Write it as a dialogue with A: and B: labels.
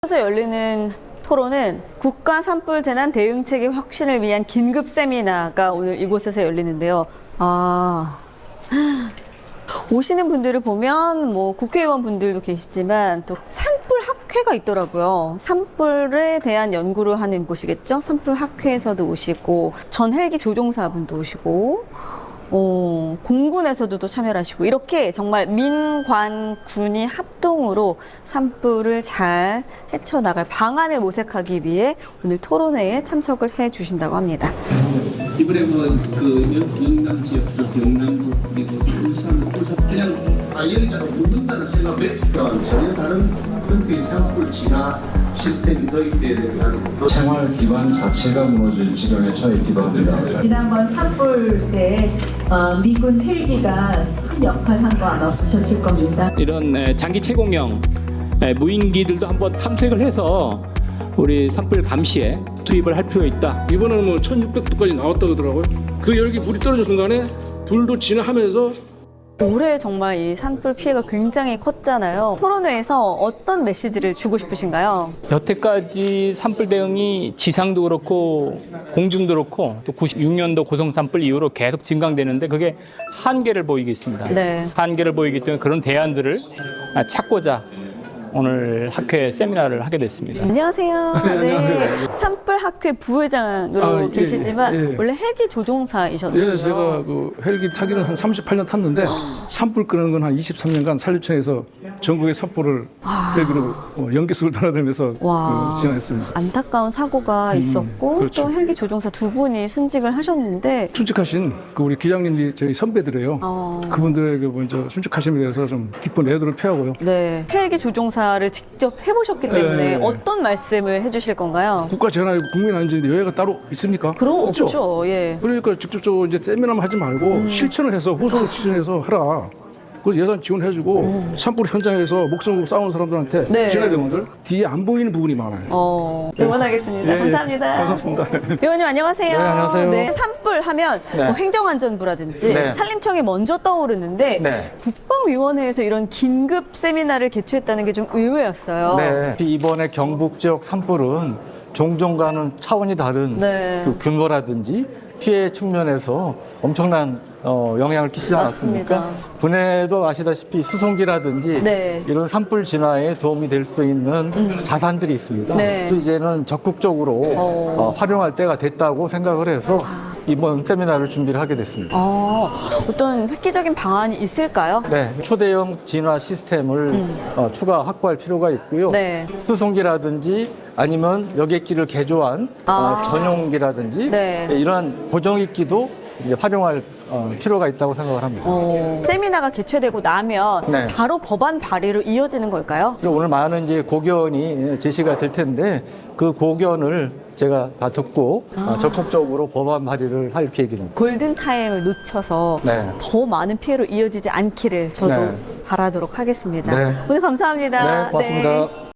A: 에서 열리는 토론은 국가 산불 재난 대응 체계 혁신을 위한 긴급 세미나가 오늘 이곳에서 열리는데요. 오시는 분들을 보면 뭐 국회의원 분들도 계시지만 또 산불 학회가 있더라고요. 산불에 대한 연구를 하는 곳이겠죠. 산불 학회에서도 오시고 전 헬기 조종사분도 오시고 공군에서도 또 참여를 하시고 이렇게 정말 민관 군이 합동으로 산불을 잘 헤쳐나갈 방안을 모색하기 위해 오늘 토론회에 참석을 해 주신다고 합니다.
B: 이번에 영남 지역, 영남부 그리고 울산 그냥 아이언이라고 묻는다는 생각에 전혀 다른 형태의 산불 진화 시스템이 도입되어야 된다는 것도
C: 생활 기반 자체가 무너질 지경에 처해 있기도 합니다.
D: 지난번 산불 때 미군 헬기가 큰 역할을 한 거 아마 보셨을 겁니다.
E: 이런 장기 채공형 무인기들도 한번 탐색을 해서 우리 산불 감시에 투입을 할 필요 있다.
F: 이번에는 뭐 1600도까지 나왔다고 하더라고요. 그 열기 불이 떨어진 순간에 불도 진화하면서
A: 올해 정말 이 산불 피해가 굉장히 컸잖아요. 토론회에서 어떤 메시지를 주고 싶으신가요?
E: 여태까지 산불 대응이 지상도 그렇고 공중도 그렇고 또 96년도 고성 산불 이후로 계속 증강되는데 그게 한계를 보이고 있습니다.
A: 네.
E: 한계를 보이기 때문에 그런 대안들을 찾고자 오늘 학회 세미나를 하게 됐습니다.
A: 안녕하세요. 네. 산불 학회 부회장으로 계시지만
F: 예.
A: 원래 헬기 조종사이셨나요?
F: 예, 제가 그 헬기 타기는 한 38년 탔는데 산불 끄는 건 한 23년간 산림청에서 전국의 산불을 헬기로 연기석을 돌아다니면서
A: 와.
F: 진행했습니다.
A: 안타까운 사고가 있었고
F: 그렇죠.
A: 또 헬기 조종사 두 분이 순직을 하셨는데
F: 순직하신 그 우리 기장님이 저희 선배들이에요.
A: 어.
F: 그분들에게 먼저 순직하심에 대해서 좀 기쁜 애도를 표하고요.
A: 네. 헬기 조종사를 직접 해보셨기 때문에
F: 네.
A: 어떤 말씀을 해주실 건가요?
F: 국가 재난이고 국민 안전인데 여야가 따로 있습니까?
A: 그럼 없죠. 예.
F: 그러니까 직접적으로 이제 세미나만 하지 말고 실천을 해서 후속 실천해서 하라. 그 예산 지원해주고 산불 현장에서 목숨 걸고 싸우는 사람들한테
A: 네.
F: 진화대원들 뒤에 안 보이는 부분이 많아요.
A: 응원하겠습니다.
F: 예, 예.
A: 감사합니다.
F: 감사합니다.
A: 의원님 안녕하세요.
G: 네, 안녕하세요.
A: 네, 산불 하면
G: 네.
A: 뭐 행정안전부라든지
G: 네.
A: 산림청이 먼저 떠오르는데
G: 네.
A: 국방위원회에서 이런 긴급 세미나를 개최했다는 게 좀 의외였어요.
G: 네. 이번에 경북 지역 산불은 종종과는 차원이 다른
A: 네.
G: 그 규모라든지 피해 측면에서 엄청난 영향을 끼치지 않았습니까?
A: 맞습니다.
G: 분해도 아시다시피 수송기라든지
A: 네.
G: 이런 산불 진화에 도움이 될 수 있는 자산들이 있습니다.
A: 네.
G: 그래서 이제는 적극적으로 활용할 때가 됐다고 생각을 해서 이번 세미나를 준비를 하게 됐습니다.
A: 어떤 획기적인 방안이 있을까요?
G: 네, 초대형 진화 시스템을 추가 확보할 필요가 있고요.
A: 네.
G: 수송기라든지 아니면 여객기를 개조한 전용기라든지
A: 네.
G: 이러한 고정익기도 이제 활용할 필요가 있다고 생각을 합니다.
A: 세미나가 개최되고 나면
G: 네.
A: 바로 법안 발의로 이어지는 걸까요?
G: 그리고 오늘 많은 이제 고견이 제시가 될 텐데 그 고견을 제가 다 듣고 적극적으로 법안 발의를 할 계획입니다.
A: 골든타임을 놓쳐서
G: 네.
A: 더 많은 피해로 이어지지 않기를 저도
G: 네.
A: 바라도록 하겠습니다.
G: 네.
A: 오늘 감사합니다.
G: 네, 고맙습니다.